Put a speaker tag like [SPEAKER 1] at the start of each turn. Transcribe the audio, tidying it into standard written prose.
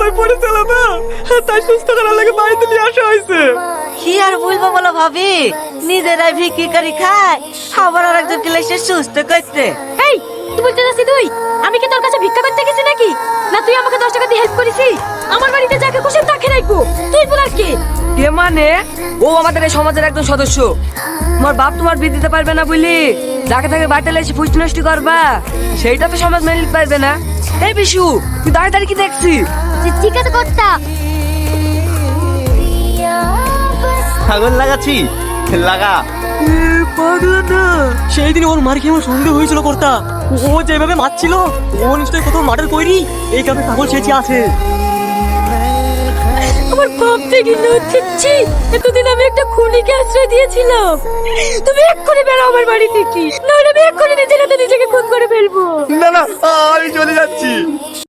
[SPEAKER 1] হয়ে পড়েছিল না, তাই সুস্থ করার লাগে বাড়িতে নিয়ে আসা হয়েছে।
[SPEAKER 2] কি আর বলবো বলো ভাবি, নিজেরাই ভিক্ষি করে খায়, আবার আর একজন ক্লাসে সুস্থ করতে।
[SPEAKER 3] এই তুই বলতে যাচ্ছি তুই আমি কি তোর কাছে ভিক্ষা করতে গেছি নাকি? না তুই আমাকে 10 টাকা দিয়ে হেল্প করেছিস? আমার বাড়িতে যাকে খুশি তাকে রাখবো, তুই বলার কি?
[SPEAKER 2] কে মানে? ও আমাদের এই সমাজের একজন সদস্য। তোমার বাপ তোমার বিয়ে দিতে পারবে না বলি যাকে তাকে বাড়িতে এসে ফুষ্টি নষ্টি করবা, সেইটা তো সমাজ মেনে নিতে পারবে না। এই বিশু, তুই দাঁড়িয়ে দাঁড়িয়ে কি দেখছি?
[SPEAKER 3] ঠিক আছে কর্তা।
[SPEAKER 1] ছাগল লাগাচ্ছি, লাগা।
[SPEAKER 2] পাগলা না,
[SPEAKER 1] সেই দিন ওর মার খেয়ে আমার সন্দেহ হয়েছিল কর্তা। ও যেভাবে মারছিল, ও নিশ্চয়ই কোথাও মার্ডার করি এই কারণে ছাগল সেচে আছে।
[SPEAKER 3] আমার ভাবতে গেলে হচ্ছে এতদিন আমি একটা খুনিকে আশ্রয় দিয়েছিলাম। তুমি এক্ষুনি বেরো আমার বাড়ি থেকে, নাহলে আমি এক্ষুনি নিজের হাতে নিজেকে খুন করে ফেলবো।
[SPEAKER 1] না না, আমি চলে যাচ্ছি।